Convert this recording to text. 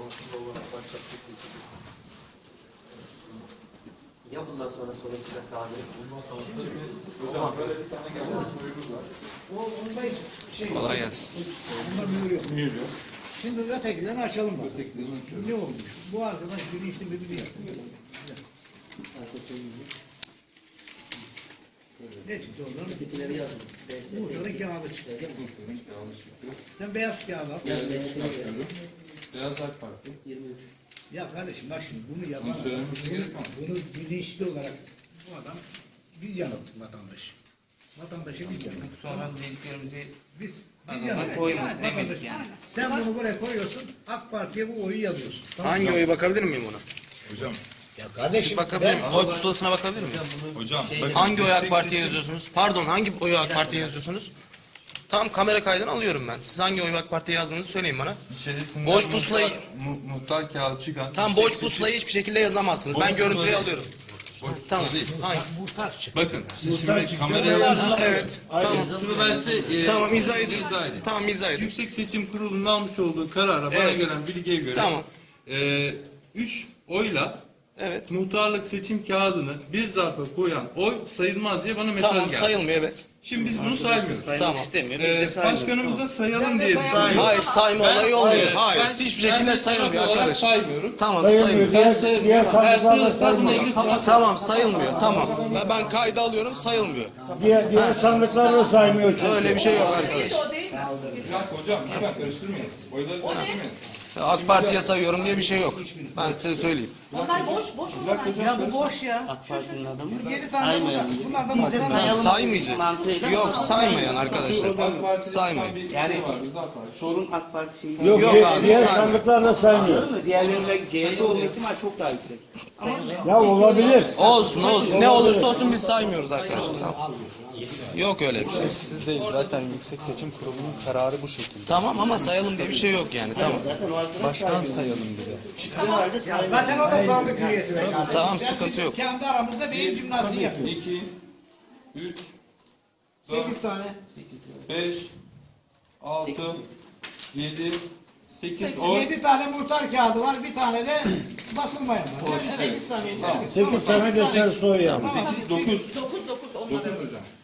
Ya bundan sonra sonuç çıkarsa abi? Hocam böyle bir tane gelmez buyruğu var. Kolay gelsin. Mühür yok. Şimdi ötekilerini açalım bak. Ötekilerini açıyorum. Ne olmuş? Bu arkadaş bilinçli mi biliyor. Ne çıktı oradan? Bitkileri yazın. Muhtarın kağıdı çıktı. Muhtarın kağıdı çıktı. Sen beyaz kağıdı al. Çıkartıyorum. Beyaz AK Parti. 23. Ya kardeşim bak şimdi bunu yapan Bunu söylememize gerek var mı? bunu bilinçli olarak bu adam biz yanılttık vatandaşı. Vatandaşı biz yanılttık. Sonra dediklerimizi Biz adama yanılttık. koymadık Vatandaş- demek yani. Sen bunu buraya koyuyorsun, AK Parti'ye bu oyu yazıyorsun. Tamam. Hangi oyu bakabilir miyim ona? Hocam. Ya kardeşim Bakabilir miyim? Oy pusulasına bakabilir miyim? Hocam. Hangi oyu AK Parti'ye yazıyorsunuz? Pardon, hangi oyu AK Parti'ye yazıyorsunuz? Tamam, kamera kaydını alıyorum ben. Siz hangi oyu AK Parti'ye yazdığınızı söyleyin bana. İçerisinden Boş pusulayı- muhtar kağıdı çıkan. Tamam, boş pusulayı hiçbir şekilde yazamazsınız. Boş Ben görüntüyü pusula alıyorum. Boş Tamam, pusula değil. hangisi? muhtar çık. Bakın siz şimdi kameraya Ha, evet, tamam. şunu ben size Tamam, izah edin. izah edeyim. Tamam, izah edin. Yüksek Seçim Kurulu'nun almış olduğu karara bana Evet. gelen bilgiye göre Tamam. 3 oyla Evet. muhtarlık seçim kağıdını bir zarfa koyan oy sayılmaz diye bana mesaj Tamam, geldi. sayılmıyor, evet. Şimdi biz bunu saymıyoruz. Tamam. istemiyor. Biz de saymıyoruz. Başkanımıza sayalım Ben de diye saymıyorum. düşünüyorum. Hayır, sayma olayı olmuyor. Hayır, Ben- hiçbir ben şekilde de sayılmıyor taraf olarak arkadaşım. saymıyorum. Tamam, sayılmıyor. Diğer sandıklarla sayılmıyor. Tamam, sayılmıyor. Tamam. Ve ben kayda alıyorum, sayılmıyor. Diğer sandıklarla saymıyor çünkü. Öyle bir şey yok arkadaş. Bir dakika hocam, lütfen karıştırmayın. Oyları karıştırmayın. AK Parti'ye sayıyorum diye bir şey yok. Ben size söyleyeyim. Onlar boş olarak. Ya bu boş ya. AK Parti'nin adamı 7 tane bunlar. Bunlar da muhtar. Tamam, saymayacak. Yok, saymayan arkadaşlar. Saymayın. Yani sorun AK Parti şeyi. Yok, Yok abi, diğer saymıyor. sandıklarla saymıyor. Anladın mı? Diğerlerinin belki CHP olma ihtimali çok daha yüksek. Ya olabilir. Olsun olsun. Ne olursa olsun biz saymıyoruz arkadaşlar. Tamam. Yok öyle bir şey. Siz değil, zaten Yüksek Seçim Kurulu'nun kararı bu şekilde. Tamam ama sayalım diye bir şey yok yani. Tamam. Zaten o arkadaş Başkan sayalım dedi. çıktığı halde saymıyor. Zaten o da sandık üyesi. be kardeşim. Tamam, sıkıntı yok. Kendi aramızda beyin jimnastiği yapıyoruz. 2, 3, 8 tane. 5, 6, 7, 8, 10. 7 tane muhtar kağıdı var. Bir tane de basılmayan var. 8 tane. 8 sene geçer soy yani. 9. 9 onlar. 9 hocam.